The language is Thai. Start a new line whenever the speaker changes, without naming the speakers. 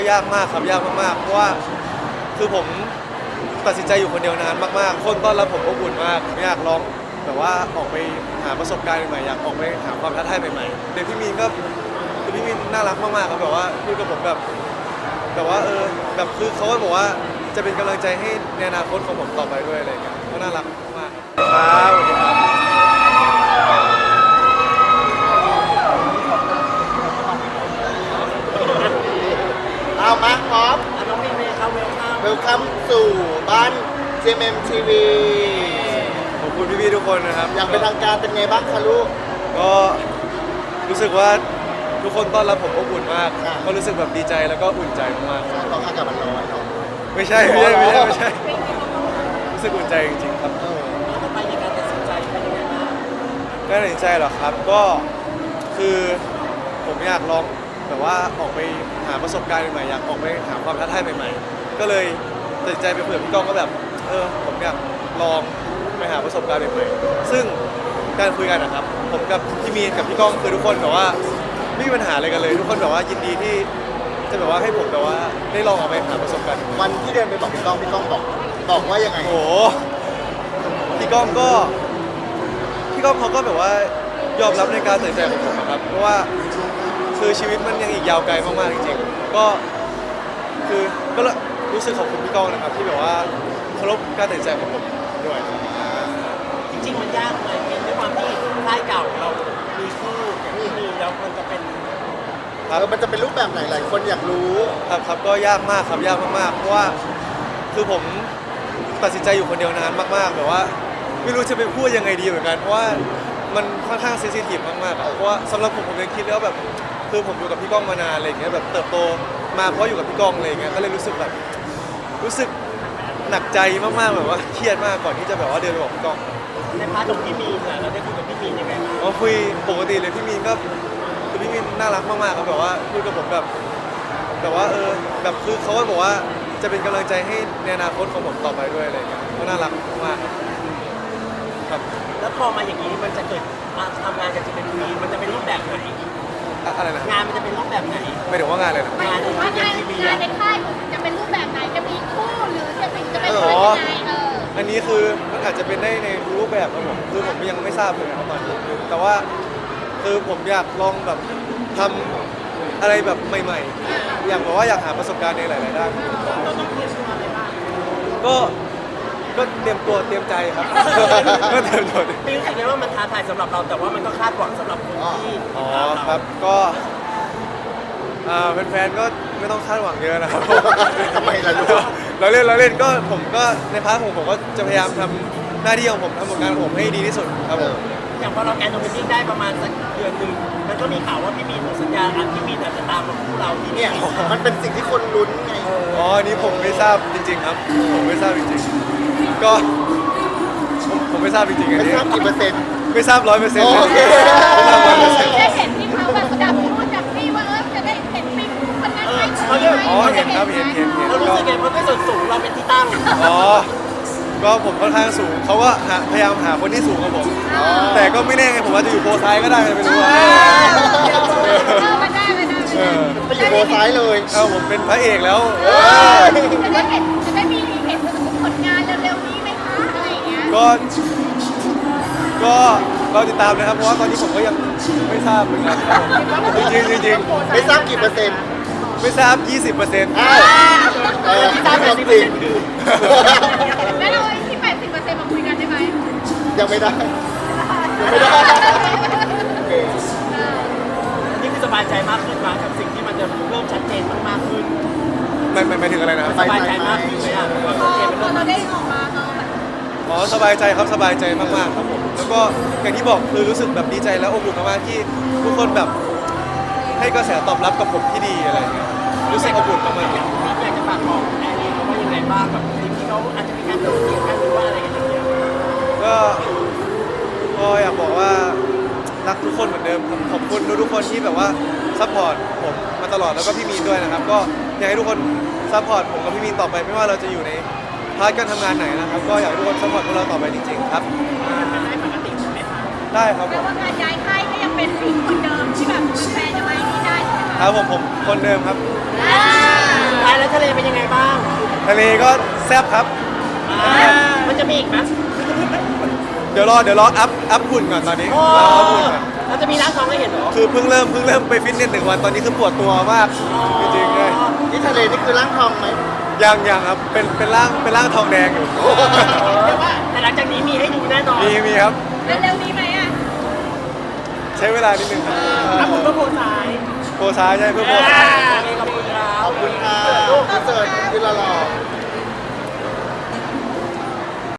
ยากมากครับยากมากๆเพราะว่าคือผมตัดสินใจอยู่คนเดียวนานมากๆคนต้อนรับผมอบอุ่นมากอยากลองแบบว่าออกไปหาประสบการณ์ใหม่ๆอยากออกไปหาความท้าทายใหม่ๆเด็กพี่มีนก็คือพี่มีนน่ารักมากๆครับแบบว่าพูดกับผมแบบว่าแบบคือเขาก็บอกว่าจะเป็นกำลังใจให้ในอนาคตของผมต่อไปด้วยอะไรอย่างเงี้ยก็น่ารักมากครับสวัสดีครับ
เอามาพร้อม
น้องมีเมย์ครับเวลคัม
เวลคัมสู่บ้าน GMM TV
ขอบคุณพี่ๆทุกคนนะครับ
อย่างเป็นทางการเป็นไงบ้างคะลูก
ก็รู้สึกว่าทุกคนต้อนรับผมอบอุ่นมาก
อ่า
ก็รู้สึกแบบดีใจแล้วก็อุ่นใจมาก
ตอนอากาศมันร้อนเนาะ
ๆไม่ใช่รู้สึกอุ่นใจจริงๆครับ
แล้วก็ไปในการตัดสินใจเป็นยังไงบ้าง
การตัดสินใจเหรอครับก็คือผมอยากลองแบบว่าออกไปหาประสบการณ์ใหม่ๆอยากออกไปหาความท้าทายใหม่ๆก็เลยตัดสินใจไปคุยกับพี่ก้องก็แบบผมอยากลองไปหาประสบการณ์ใหม่ๆซึ่งการคุยกันนะครับผมกับพี่มีนกับพี่ก้องคือทุกคนแบบว่าไม่มีปัญหาอะไรกันเลยทุกคนแบบว่ายินดีที่จะแบบว่าให้ผมแบบว่าได้ลองออกไปหาประสบการณ์ใหม่ๆ
วันที่เดินไปบอกพี่ก้องบอกว่ายังไง
โอ้โหพี่ก้องเขาก็แบบว่ายอมรับในการตัดสินใจของผมนะครับเพราะว่าคือชีวิตมันยังอีกยาวไกลมากๆจริงๆก็คือก็รู้สึกขอบคุณพี่ก้องนะครับที่แบบว่าเคารพการตัดสินใจของผมด้วย
จริงๆมันยากไหมเป็นด้วยความที่ค่ายเก่าเรามีคู่อย่างที่มีแล้วมันจะเป็น
มันจะเป็นรูปแบบไหนหลายคนอยากรู้
ครับก็ยากมากครับยากมากๆเพราะว่าคือผมตัดสินใจอยู่คนเดียวนานมากๆแบบว่าไม่รู้จะไปพูดยังไงดีเหมือนกันเพราะว่ามันค่อนข้างเซนซิทีฟมากๆอะเพราะว่าสำหรับผมยังคิดแล้วาแบบคือผมอยู่กับพี่ก้องมานานอะไรอย่างเงี้ยแบบเติบโตมาเพราะอยู่กับพี่ก้องอะไรอย่างเงี้ยก็เลยรู้สึกหนักใจมากๆแบบว่าเครียดมากก่อนที่จะแบบว่าเดินไปบอกพี่ก้อง
ในพาร์ทของพี่มีนน่ะเราได้คุยกับพี่มีนยังไงบ้าง
อ๋อคุยปกติเลยพี่มีนก็คือพี่มีนน่ารักมากๆครับแบบว่าพูดกับผมแบบว่าแบบคือเขาก็บอกว่าจะเป็นกำลังใจให้ในอนาคตของผมต่อไปด้วยอะไรอย่างเงี้ยก็น่ารักมากครับ
แล้วพอมาอย่างนี้มันจะเกิดมาทำงานกับจะเป็นมีนมันจะเป็นรูปแบบไหน
อะไรนะ
งานมันจะเป็นรูปแบบไหน
ไม่ถึงว่างานเลยนะ
งานใน
ว่างาน
ทีวี
งาน
อะ
ในค่ายจะเป็นรูปแบบไหนจะมีคู่หรือจะเป็นยังไง
อันนี้คือมันอาจจะเป็นได้ในรูปแบบครับผมคือผมยังไม่ทราบเลยนะครับตอนนี้แต่ว่าคือผมอยากลองแบบทำอะไรแบบใหม่ๆอยากแบบว่าอยากหาประสบการณ์ในหลายๆด้าน
เราต้องเตรียมตัวอะไรบ้าง
ก็เตรียมตัวเตรียมใจครับ ก็เตรียมตัว
พี่รู้สึกไงว่ามันท้าทายสำหรับเราแต่ว่ามันก็คาดหวังสำหรับคนที่
อ๋อครับก็แฟนๆก็ไม่ต้องคาดหวังเยอะนะครับ
ทำไมล่ะลูก
เราเล่นก็ผมก็ในพาร์ทของผมก็จะพยายามทำหน้าที่ของผมทำผลงานของผมให้ดีที่สุดครับผม
อย่างพอเราแกนโนมินิ่งได้ประมาณสักเดือนหนึ่งมันก็มีข่าวว่าพี่มีนหมดสัญญาอันพี่มีนอาจจะตามมาคู่เราที่
เนี่
เนี่ย ย
มันเป็นสิ่งที่คนลุ้นไง
อ๋ออันนี้ผมไม่ทราบจริง ๆ ครับ ผมไม่ทราบจริงๆก็ผมไม่ทราบจริงๆอัน
ไม่
นี้
ทราบกี่เปอร์เซ็นต์
ไม่ทราบ100%เลย
โอเค
ไม่ทราบ100%
ได้เห็นที่เขาแบบจับพูดจับนี่ว่าจะได้เห็นปีคู่คนนั้นไหม
อ๋อเห็นครับเห็น
เรารู้สึกไงเพราะด้วยส่วนสูงเราเป็นที่ตั้ง
อ๋อ ก็ผมค่อนข้างสูงเขาก็พยายามหาคนที่สูงกว่าผม แต่ก็ไม่แน่ไงผมอาจจะอยู่โพซ้ายก็ได้ไม่รู้ว่า
ไม่ได้
ไปอยู่โบซ้ายเลย
ผมเป็นพระเอกแล้ว
จะได้มีเห็นผลงานเร็วๆนี้ไหมคะอะไรอย่างเงี้ย
ก็เราติดตามนะครับเพราะว่าตอนนี้ผมก็ยังไม่ทราบเหมือนกันครับผมจริง
ไม่ทราบกี่เปอร์เซ็นต์
ๆไม่ทราบ 20%
อ้าวที่ทราบความจริง
แล้วเราที่ 80%มาคุยกันได้ไหม
ยังไม่ได้
นี่คือสบายใจมากขึ้นมากับสิ่งที่มันจะเริ่มชัดเจนมากขึ้น
ไม่ถึงอะไรนะครับ
สบายใจมากขึ้นไหมอ่ะ
พอเราได้ออกมาเราแบบ
อ๋อสบายใจครับสบายใจมากๆครับผมแล้วก็อย่างที่บอกคือรู้สึกแบบดีใจและอบอุ่นมากๆที่ทุกคนแบบให้กระแสตอบรับกับผมที่ดีอะไรอย่างเงี้ยรู้สึกอบอุ่นมากๆ
อยากจะฝากบอกแอร์เรียนเขาว่ายังไงบ้างแบบสิ่งที่เขาอาจจะมีการโดดเดี่ยวกันหรือว่าอะไรกันอย่างเงี้ย
ก็อยากบอกว่ารักทุกคนเหมือนเดิมครับขอบคุณทุกคนที่แบบว่าซัพพอร์ตผมมาตลอดแล้วก็พี่มีนด้วยนะครับก็อยากให้ทุกคนซัพพอร์ตผมกับพี่มีนต่อไปไม่ว่าเราจะอยู่ในพาร์ทการทำงานไหนนะครับก็อยากให้ทุกคนซัพพอร์ตพวกเราต่อไปจริงๆครับ
มันได้ปกติใช่ไหมคะ
ได้ครับผ
แปล
ม
ว่างานย้ายค่ายก็ยังเป็นผู้คนเดิมที่แบบแฟนจะมาที่ได้ใช่ไหม
ค
คะ
รับผมคนเดิมครับ
อ่า
ทะเลก็แซ่บครับ
มันจะมีอีกไหม
เดี๋ยวรออัพหุ่นก่อนตอนนี้
โอ้
รออัพหุ่นก่อน
เราจะมีร่างทองให้เห็นเหรอ
คือเพิ่งเริ่มไปฟิตเนส1 วันตอนนี้คือปวดตัวมากจริงๆเลย
นี่ทะเลนี่คือร่างทองไหม
ยังครับเป็นร่างทองแดงอยู่
แต่หลังจากนี้มีให้ดูแน่นอน
มีครับ
เร็วๆนี้ไหมอ่ะ
ใช้เวลานิดนึงครับ
ถ้าผมก็โพสาย
โพซ้ายใช่เพื่อโพซ้าย
ขอบคุณครับ
ขอบคุณค่ะพี่เสิร์ตพี่หล่อๆ